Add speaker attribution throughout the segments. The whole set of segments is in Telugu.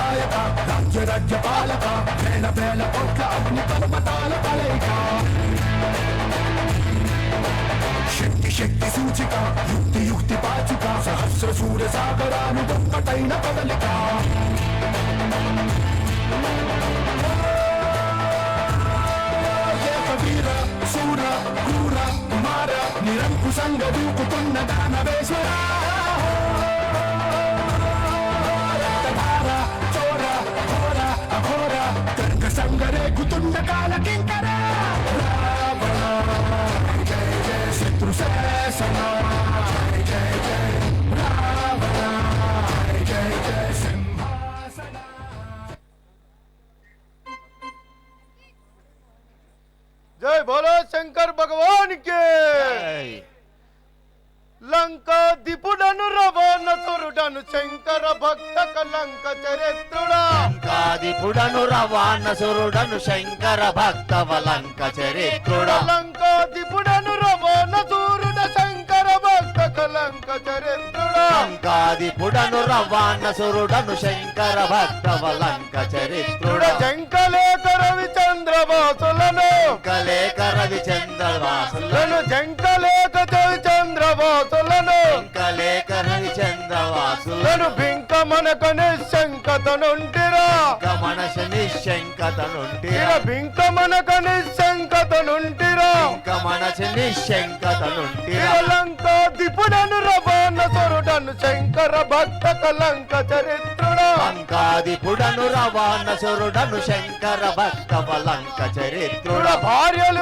Speaker 1: నాయక రాజ్య పాలక వేల వేల కోట్ల అగ్ని పర్వతాల కలయిక శక్తి సూచిక యుక్తి పాచిక సహస్ర సూర్య సాగరాలు ఒక్కటైన కదలిక వీర శూర క్రూర కుమార నిరంకుశంగా దూకుతున్న దానవేశ్వర చోర ఘోర అఘోర కర్క సంగరేగుతున్న కాల కింకర జయ జయ శత్రు శాసన జయ జయ రావణ జయ జయ సింహాసన
Speaker 2: जय बोलो शंकर भगवान के లంకాధిపుడను రవాణసురుడను శంకర భక్త కలంక చరిత్రుడా
Speaker 3: లంకాధిపుడను రవాణసురుడను శంకర భక్త వలంక చరిత్రుడా
Speaker 2: లంకాధిపుడను రవాణసురుడ శంకర భక్త కలంక చరిత్రుడా
Speaker 3: లంకాధిపుడను రవాణసురుడను శంకర భక్త వలంక చరిత్రుడా
Speaker 2: జంకలేక రవిచంద్ర వాసులను
Speaker 3: జంకలేక రవిచంద్రవాసులను
Speaker 2: జంకలేక రవిచంద్ర వాసులను
Speaker 3: జంకలేక రవిచంద్రవాసులను
Speaker 2: బింకమనక నిశంకతనుంటిరా
Speaker 3: మనస నిశంకతనుంటిరా
Speaker 2: బింకమనక నిశంకతనుంటిరా
Speaker 3: మనస నిశంకతనుంటిరా
Speaker 2: లంకాధిపుడను రవాణసురుడను శంకర భక్త కలంక చరిత్రుడా
Speaker 3: లంకాధిపుడను రవాణసురుడను శంకర భక్త వలంక చరిత్రుడా
Speaker 2: భార్యలు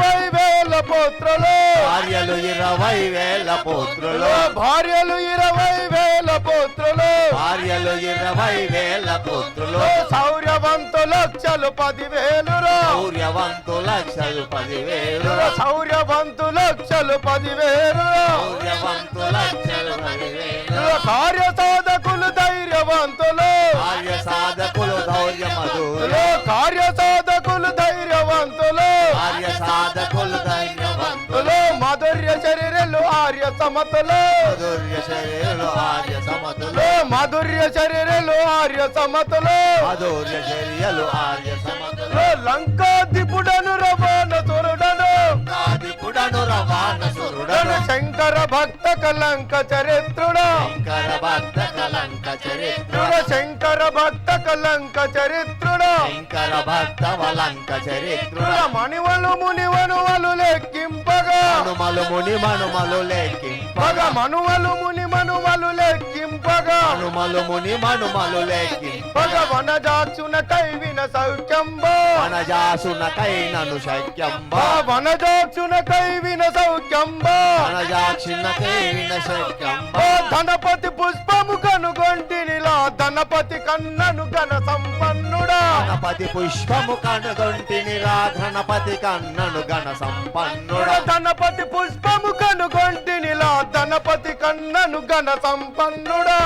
Speaker 2: 20,000 పుత్రులు
Speaker 3: భార్యలు 20,000 పుత్రులు
Speaker 2: భార్యలు 20,000 పుత్రులు
Speaker 3: భార్యలు 20,000 పుత్రులు
Speaker 2: శౌర్యవంతు లక్షలు 10,000
Speaker 3: శౌర్యవంతు లక్షలు 10,000
Speaker 2: శౌర్యవంతు లక్షలు 10,000
Speaker 3: శౌర్యవంతు లక్షలు 10,000
Speaker 2: కార్య సాధకులు ధైర్యవంతులు
Speaker 3: కార్య సాధకులు ధైర్యమధులు
Speaker 2: కార్య సాధకులు ధైర్యవంతులు
Speaker 3: కార్య సాధకులు ధైర్యవంతులు
Speaker 2: మాధుర్య శరీరలు ఆర్య సమతులు
Speaker 3: మాధుర్య శరీరులు ఆర్య సమతులు
Speaker 2: మాధుర్య శరీరలు ఆర్య సమతులు
Speaker 3: మాధుర్య శరీరులు ఆర్య సమతులు
Speaker 2: లంకాధిపుడను రవాణసురుడను
Speaker 3: లంకాధిపుడను రవాణసురుడను
Speaker 2: శంకర భక్త కలంక చరిత్రుడా
Speaker 3: శంకర భక్త కలంక చరిత్రుడ
Speaker 2: శంకర భక్త కలంక చరిత్రుడా
Speaker 3: శంకర భక్త వలంక చరిత్రుడ
Speaker 2: మణివలు మునివనువలు లెక్కింపగా
Speaker 3: మనుమలు ముని మనుమలు లెక్కింపగా
Speaker 2: మనువలు ముని మనువలు లెక్కింపగా
Speaker 3: మనుమలు ముని మనుమలు లెక్కింపగా
Speaker 2: వనజాక్షున కైవిన సౌఖ్యంబో
Speaker 3: వనజాసున కైనను శక్యంబా
Speaker 2: వనజాక్షున కైవిన సౌఖ్యంబో
Speaker 3: వనజాక్షున కైవిన శక్యంబా
Speaker 2: ధనపతి పుష్పము కనుగొంటినిలా ధనపతి కన్నను ఘన సంపన్నుడా
Speaker 3: గణపతి పుష్పము కనుగొంటినిరా గణపతి కన్నను గణ సంపన్నుడా
Speaker 2: ధనపతి పుష్పము కనుగొంటినిలా ధనపతి కన్నను ఘన సంపన్నుడా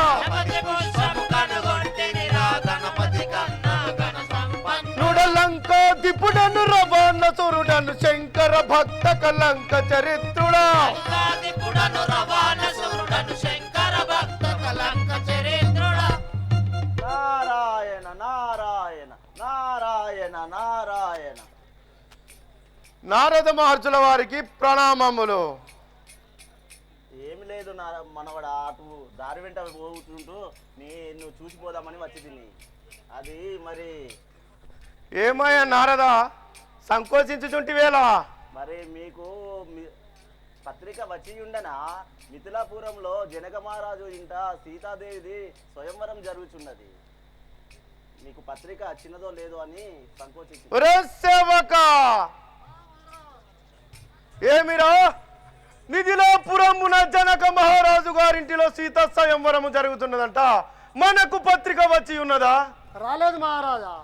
Speaker 2: లంకాధిపుడను రవాణసురుడను శంకర భక్త కలంక చరిత్రుడా
Speaker 4: నారాయణ నారాయణ నారాయణ నారాయణ.
Speaker 2: నారద మహర్షుల వారికి ప్రణామములు.
Speaker 4: ఏమి లేదు మనవడ అటు దారి వెంట పోతుంటూ నువ్వు చూసిపోదామని వచ్చి తిని అది మరి
Speaker 2: ఏమయ్యా నారద సంకోచించుచుంటి వేళ
Speaker 4: మరి మీకు పత్రిక వచ్చి ఉండనా మిథిలాపురంలో జనక మహారాజు ఇంట సీతాదేవిది స్వయంవరం జరుగుతున్నది. మీకు పత్రిక వచ్చినదో లేదో అని సంకోచించి
Speaker 2: ఏమిరా మిథిలాపురమున జనక మహారాజు గారింటిలో సీత స్వయంవరము జరుగుతున్నదంట. మనకు పత్రిక వచ్చి ఉన్నదా?
Speaker 5: రాలేదు మహారాజా.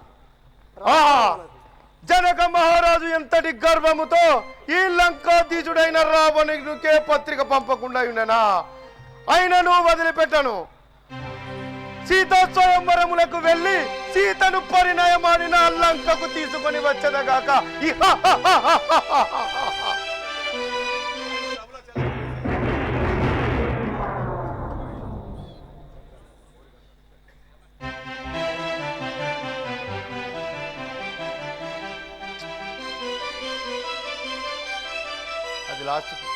Speaker 2: జనక మహారాజు ఎంతటి గర్వముతో ఈ లంకాధీశుడైన రావణునికే పత్రిక పంపకుండా ఉండనా? అయినను వదిలిపెట్టను. సీతా స్వయంవరములకు వెళ్ళి సీతను పరిణయమాడిన లంకకు తీసుకొని వచ్చేదగాక. లాస్ట్